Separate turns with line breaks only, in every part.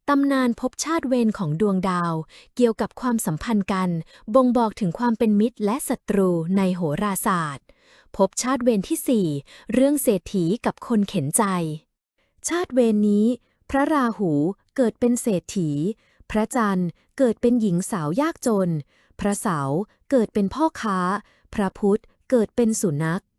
ตำนานภพชาติเวรของดวงดาวเกี่ยวกับความสัมพันธ์กันบ่งบอกถึงความเป็นมิตรและศัตรูในโหราศาสตร์ภพชาติเวรที่ 4เรื่องเศรษฐีกับคนเข็นใจ ชาติเวรนี้ พระราหูเกิดเป็นเศรษฐี พระจันทร์เกิดเป็นหญิงสาวยากจน พระเสาร์เกิดเป็นพ่อค้า พระพุธเกิดเป็นสุนัข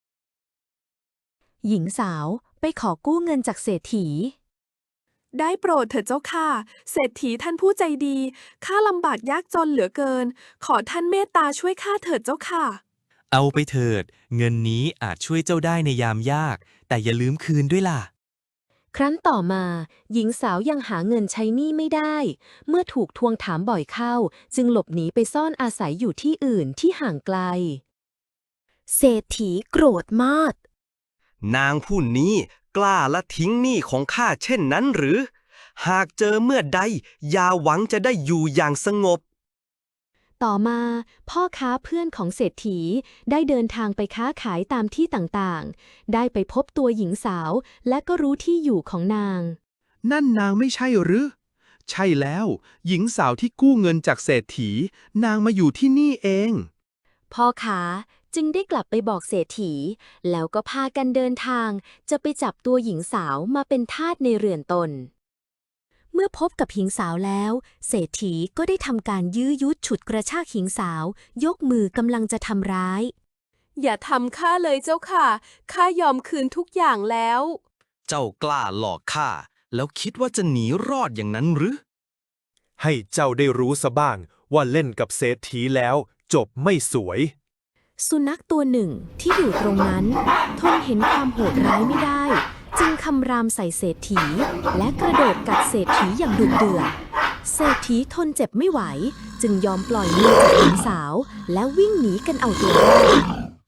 หญิงสาวไปขอกู้เงินจากเศรษฐี
ได้โปรดเถิดเจ้าค่ะเศรษฐีท่านผู้ใจดีข้าลำบากยากจนเหลือเกิน ขอท่านเมตตาช่วยข้าเถิดเจ้าค่ะ
เอาไปเถิด เงินนี้อาจช่วยเจ้าได้ในยามยาก แต่อย่าลืมคืนด้วยล่ะ
ครั้นต่อมา หญิงสาวยังหาเงินใช้หนี้ไม่ได้ เมื่อถูกทวงถามบ่อยเข้า จึงหลบหนีไปซ่อนอาศัยอยู่ที่อื่นที่ห่างไกล เศรษฐีโกรธมาก
นางผู้นี้กล้าละทิ้งหนี้ของข้าเช่นนั้นหรือ หากเจอเมื่อใดอย่าหวังจะได้อยู่อย่างสงบ
ต่อมาพ่อค้าเพื่อนของเศรษฐีได้เดินทางไปค้าขายตามที่ต่างๆ ได้ไปพบตัวหญิงสาวและก็รู้ที่อยู่ของนาง
นั่นนางไม่ใช่หรือ ใช่แล้ว หญิงสาวที่กู้เงินจากเศรษฐี นางมาอยู่ที่นี่เอง
พ่อค้าจึงได้กลับไปบอกเศรษฐี แล้วก็พากันเดินทางจะไปจับตัวหญิงสาวมาเป็นทาสในเรือนตน เมื่อพบกับหญิงสาวแล้ว เศรษฐีก็ได้ทำการยื้อยุดฉุดกระชากหญิงสาว ยกมือกำลังจะทำร้าย
อย่าทำข้าเลยเจ้าค่ะข้ายอมคืนทุกอย่างแล้ว
เจ้ากล้าหลอกข้าแล้วคิดว่าจะหนีรอดอย่างนั้นหรือ
ให้เจ้าได้รู้ซะบ้างว่าเล่นกับเศรษฐีแล้วจบไม่สวย
สุนัขตัวหนึ่งที่อยู่ตรงนั้นทนเห็นความโหดร้ายไม่ได้ จึงคำรามใส่เศรษฐี และกระโดดกัดเศรษฐีอย่างดุเดือดเศรษฐีทนเจ็บไม่ไหว จึงยอมปล่อยมือจากหญิงสาว และวิ่งหนีกันเอาตัวรอด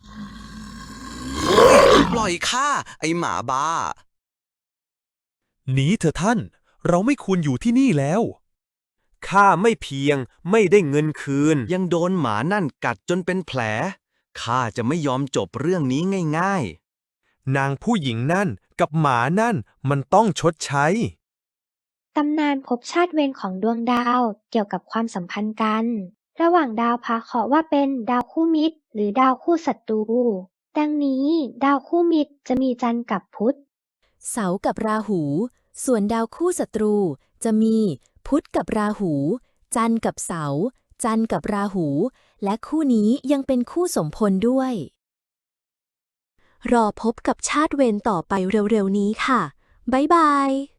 ปล่อยข้าไอหมาบ้า
หนีเถอะท่าน เราไม่ควรอยู่ที่นี่แล้ว ข้าไม่เพียงไม่ได้เงินคืน
ยังโดนหมานั่นกัดจนเป็นแผล ข้าจะไม่ยอมจบเรื่องนี้ง่าย
นางผู้หญิงนั่นกับหมานั่นมันต้องชดใช้
ตำนานภพชาติเวรของดวงดาวเกี่ยวกับความสัมพันธ์กัน ระหว่างดาวพาเคราะห์ว่าเป็นดาวคู่มิตร หรือดาวคู่ศัตรู ดังนี้ดาวคู่มิตรจะมีจันทร์กับพุธ
เสาร์กับราหู ส่วนดาวคู่ศัตรู จะมีพุธกับราหู จันทร์กับเสาร์จันทร์กับราหู และคู่นี้ยังเป็นคู่สมพลด้วย รอพบกับชาติเวรต่อไปเร็วๆนี้ค่ะ บ๊ายบาย